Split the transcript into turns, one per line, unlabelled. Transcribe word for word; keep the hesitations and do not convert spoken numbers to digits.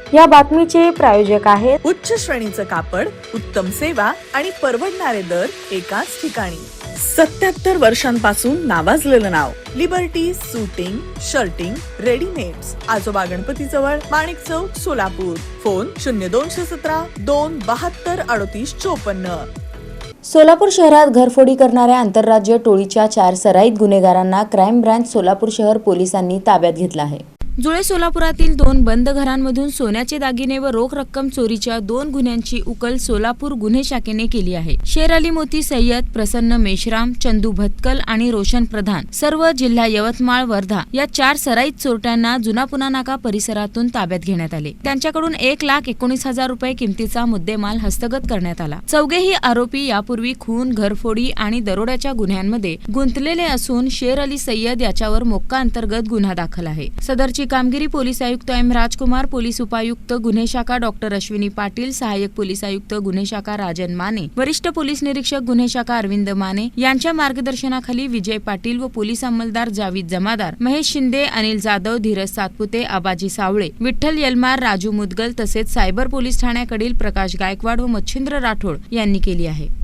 या बातमीचे प्रायोजक आहेत
उच्च श्रेणीचं कापड, उत्तम सेवा आणि परवडणारे दर एकाच ठिकाणी. सत्याहत्तर वर्षांपासून नावाजलेलं नाव लिबर्टी सूटिंग, शर्टिंग, रेडीमेड्स. आजोबा गणपती जवळ, माणिक चौक, सोलापूर. फोन शून्य दोनशे सतरा दोन बहात्तर अडतीस चोपन्न.
सोलापूर शहरात घरफोडी करणाऱ्या आंतरराज्य टोळीच्या चार सराईत गुन्हेगारांना क्राईम ब्रांच सोलापूर शहर पोलिसांनी ताब्यात घेतलं आहे.
जुळे सोलापुरातील दोन बंद घरांमधून सोन्याचे दागिने व रोख रक्कम चोरीच्या दोन गुन्ह्यांची उकल सोलापूर गुन्हे शाखेने केली आहे. शेर अली मोती सय्यद, प्रसन्न मेश्राम, चंदू भतकल आणि रोशन प्रधान सर्व जिल्हा यवतमाळ, वर्धा या चार सराईत चोरट्यांना जुनापुना नाका परिसरातून ताब्यात घेण्यात आले. त्यांच्याकडून एक लाख एकोणीस हजार रुपये किमतीचा मुद्देमाल हस्तगत करण्यात आला. चौघेही आरोपी यापूर्वी खून, घरफोडी आणि दरोड्याच्या गुन्ह्यांमध्ये गुंतलेले असून शेर अली सय्यद याच्यावर मोक्का अंतर्गत गुन्हा दाखल आहे. सदरची कामगिरी पोलीस आयुक्त एम राजकुमार, पोलीस उपायुक्त गुन्हे शाखा डॉक्टर अश्विनी पाटील, सहाय्यक पोलीस आयुक्त गुन्हे शाखा राजन माने, वरिष्ठ पोलीस निरीक्षक गुन्हे शाखा अरविंद माने यांच्या मार्गदर्शनाखाली विजय पाटील व पोलीस अंमलदार जावीद जमादार, महेश शिंदे, अनिल जाधव, धीरज सातपुते, आबाजी सावळे, विठ्ठल यलमार, राजू मुदगल तसेच सायबर पोलीस ठाण्याकडील प्रकाश गायकवाड व मच्छिंद्र राठोड यांनी केली आहे.